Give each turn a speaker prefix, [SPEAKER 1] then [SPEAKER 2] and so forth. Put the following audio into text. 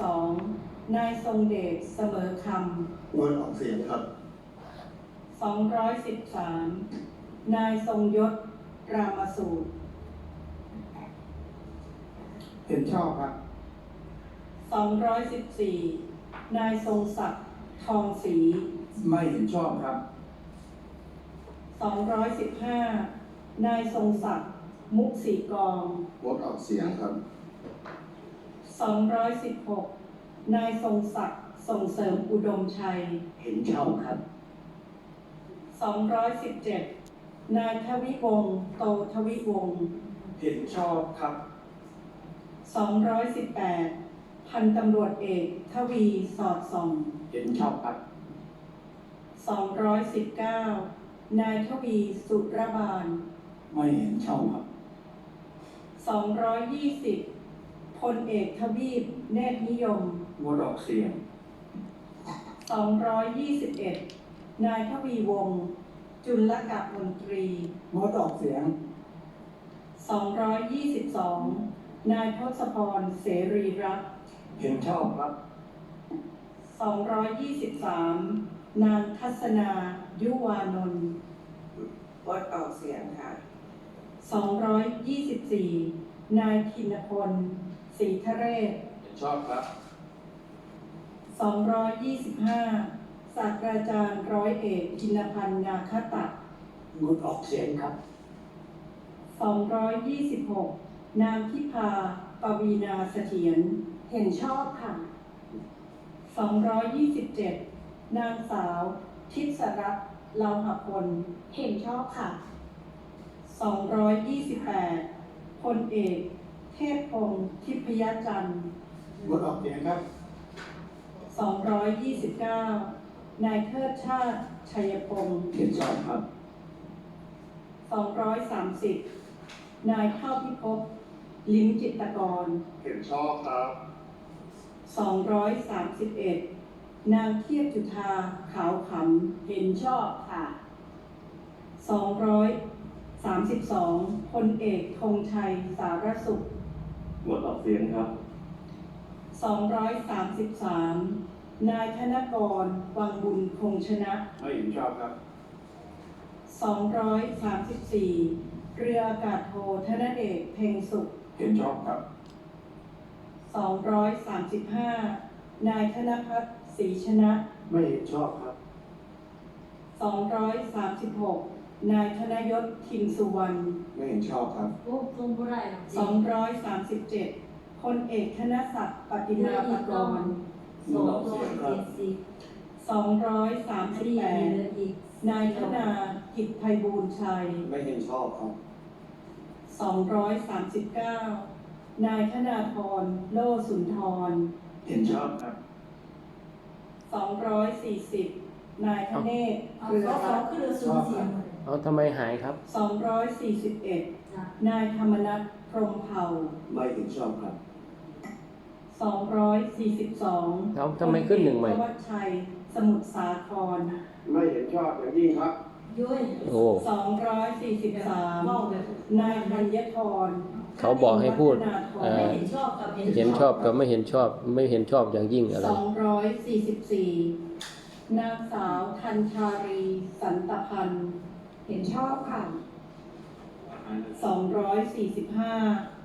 [SPEAKER 1] 2นายทรงเดชเสมอคำ
[SPEAKER 2] งดออกเสียงครับ
[SPEAKER 1] 213นายทรงยศรามสูตร
[SPEAKER 2] เห็นชอบครับ
[SPEAKER 1] 214นายทรงศักดิ์ทองศรี
[SPEAKER 2] ไม่เห็นชอบครับ
[SPEAKER 1] 215นายทรงศักดิ์มุกสีกอง
[SPEAKER 2] งดออกเสียงครับ
[SPEAKER 1] 216นายทรงศักดิ์ส่งเสริมอุดมชัย
[SPEAKER 2] เห็นชอบครับ
[SPEAKER 1] 217นายทวิวงศ์โตทวิวงศ์
[SPEAKER 2] เห็นชอบครับ
[SPEAKER 1] 218พันตำรวจเอกทวีสอดส่อง
[SPEAKER 2] เห็นชอบครับ
[SPEAKER 1] 219นายทวีสุรบาล
[SPEAKER 2] ไม่เห็นชอบครับ
[SPEAKER 1] 220พลเอกทวีปเนตรนิยม
[SPEAKER 2] งดออกเสียง
[SPEAKER 1] 221นายทวีวงศ์จุลกะมนตรี
[SPEAKER 2] งดออกเสียง
[SPEAKER 1] 222นายทศพรเสรีรัตน์
[SPEAKER 2] เห็นชอบครับ
[SPEAKER 1] 223นางทัศนายุวานนท์
[SPEAKER 3] งดออกเสียงค่ะ
[SPEAKER 1] 224นายธินพลศรีทะเรศ
[SPEAKER 2] เห็นชอบครับ
[SPEAKER 1] 225ศาสตราจารย์ร้อยเอกธินพันธ์นาคตัด
[SPEAKER 2] งดออกเสียงครับ
[SPEAKER 1] 226นางทิพาปวีนาเสถียรเห็นชอบค่ะ227นางสาวทิศรัตน์เลาหพลเห็นชอบค่ะ228พลเอกเทพพงศ์ทิพยจันทร์
[SPEAKER 2] งดออกเสียงครับ
[SPEAKER 1] 229นายเทิดชาติชัยพงศ์
[SPEAKER 2] เห็นชอบครับ
[SPEAKER 1] 230นายเท่าพิภพลิ้มจิตรกร
[SPEAKER 2] เห็นชอบครับ
[SPEAKER 1] 231นางเทียบจุฑาขาวขำเห็นชอบค่ะ232พลเอกธงชัยสารสุข
[SPEAKER 2] งดออกเสียงครับ
[SPEAKER 1] 233นายธนกรวังบุญคงชนะ
[SPEAKER 2] ไม่เห็นชอบครับ
[SPEAKER 1] 234เรืออากาศโทธนเดชเพ็งสุข
[SPEAKER 2] เห็นชอบครับ
[SPEAKER 1] 235นายธนภัทรศรีชนะ
[SPEAKER 2] ไม่เห็นชอบครับ
[SPEAKER 1] 236นายธนยศทิมสุวรรณ
[SPEAKER 2] ไม่เห็นชอบครับ
[SPEAKER 1] 237พลเอกธนศักดิ์ปฏิมาปกรณ์238นายธนากิจไพบูลย์ชัย
[SPEAKER 2] ไม่เห็นชอบครับ
[SPEAKER 1] 239นายธนาธรโลสุนทร
[SPEAKER 2] เห็นชอบครับ
[SPEAKER 1] 240นายธเนศเครือรัตน์
[SPEAKER 2] ชอบครับ
[SPEAKER 4] ทำไมหายครับ
[SPEAKER 1] 241นายธรรมนัสพรหมเผ่า
[SPEAKER 2] ไม่เห็นชอบครับ
[SPEAKER 1] 242
[SPEAKER 4] แล้วทำไมขึ้นหนึ่งใหม่
[SPEAKER 1] วัชชัยสมุทรสาคร
[SPEAKER 2] ไม่เห็นชอบอย่างยิ่งครับ
[SPEAKER 4] โอ้
[SPEAKER 1] 243นายธัญธร
[SPEAKER 4] เขาบอกให้พูด
[SPEAKER 1] เห็นชอบกับ
[SPEAKER 4] เห็นชอบกับไม่เห็นชอบไม่เห็นชอบอย่างยิ่งอะไร
[SPEAKER 1] 244นางสาวธัญชารีสันตพันธ์เห็นชอบค่ะ245